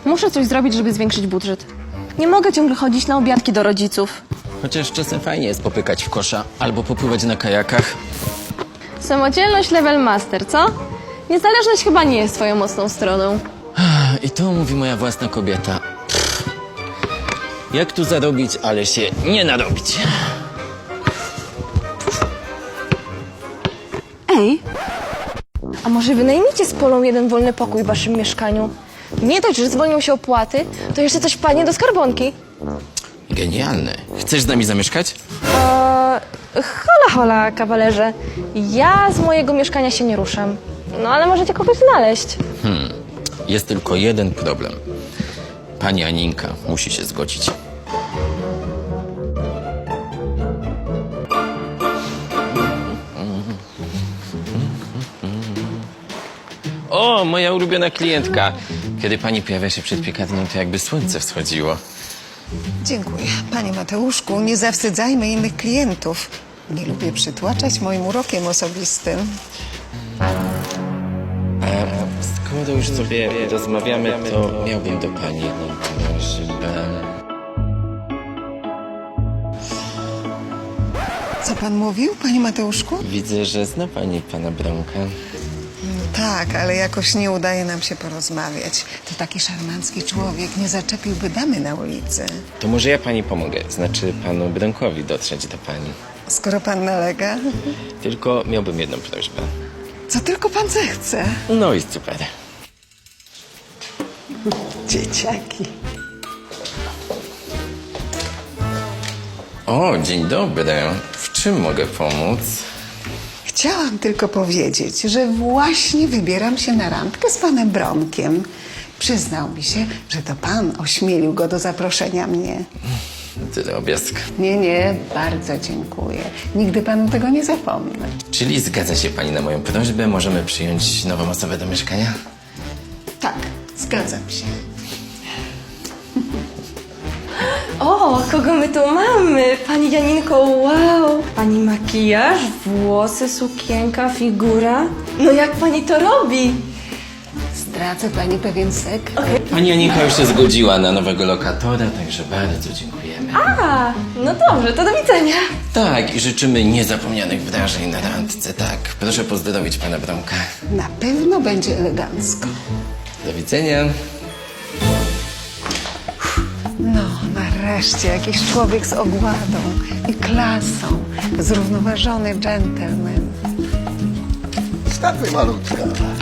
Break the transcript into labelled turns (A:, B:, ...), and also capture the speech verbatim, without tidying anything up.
A: Muszę coś zrobić, żeby zwiększyć budżet. Nie mogę ciągle chodzić na obiadki do rodziców.
B: Chociaż czasem fajnie jest popykać w kosza albo popływać na kajakach.
A: Samodzielność level master, co? Niezależność chyba nie jest twoją mocną stroną.
B: I to mówi moja własna kobieta. Pff. Jak tu zarobić, ale się nie narobić.
A: Ej, a może wynajmijcie z Polą jeden wolny pokój w waszym mieszkaniu? Nie dość, że zwolnią się opłaty, to jeszcze coś wpadnie do skarbonki.
B: Genialne. Chcesz z nami zamieszkać?
A: Eee, hola, hola, kawalerze. Ja z mojego mieszkania się nie ruszam. No ale możecie kogoś znaleźć.
B: Jest tylko jeden problem. Pani Aninka musi się zgodzić. O, moja ulubiona klientka. Kiedy pani pojawia się przed piekarnią, to jakby słońce wschodziło.
C: Dziękuję. Panie Mateuszku, nie zawstydzajmy innych klientów. Nie lubię przytłaczać moim urokiem osobistym.
B: Skoro już sobie rozmawiamy, to miałbym do pani jedną prośbę.
C: Co pan mówił, panie Mateuszku?
B: Widzę, że zna pani pana Bronka.
C: Tak, ale jakoś nie udaje nam się porozmawiać. To taki szarmancki człowiek, nie zaczepiłby damy na ulicy.
B: To może ja pani pomogę, znaczy panu Bronkowi dotrzeć do pani.
C: Skoro pan nalega,
B: Tylko miałbym jedną prośbę.
C: co tylko pan zechce.
B: No i super.
C: Dzieciaki.
B: O, dzień dobry. W czym mogę pomóc?
C: Chciałam tylko powiedzieć, że właśnie wybieram się na randkę z panem Bronkiem. Przyznał mi się, że to pan ośmielił go do zaproszenia mnie.
B: Drobiazg.
C: Nie, nie, bardzo dziękuję. Nigdy panu tego nie zapomnę.
B: Czyli zgadza się pani na moją prośbę? Możemy przyjąć nową osobę do mieszkania?
C: Tak, zgadzam się.
A: O, kogo my tu mamy? Pani Janinko, wow! Pani makijaż, włosy, sukienka, figura. No jak pani to robi?
C: Zdradzę pani pewien sekret.
B: Pani Aninka już się zgodziła na nowego lokatora, także bardzo dziękujemy.
A: A, no dobrze, to do widzenia.
B: Tak, i życzymy niezapomnianych wrażeń na randce, tak. Proszę pozdrowić pana Bronka.
C: Na pewno będzie elegancko.
B: Do widzenia.
C: No, nareszcie jakiś człowiek z ogładą i klasą. Zrównoważony dżentelmen.
D: Wstawaj, malutka.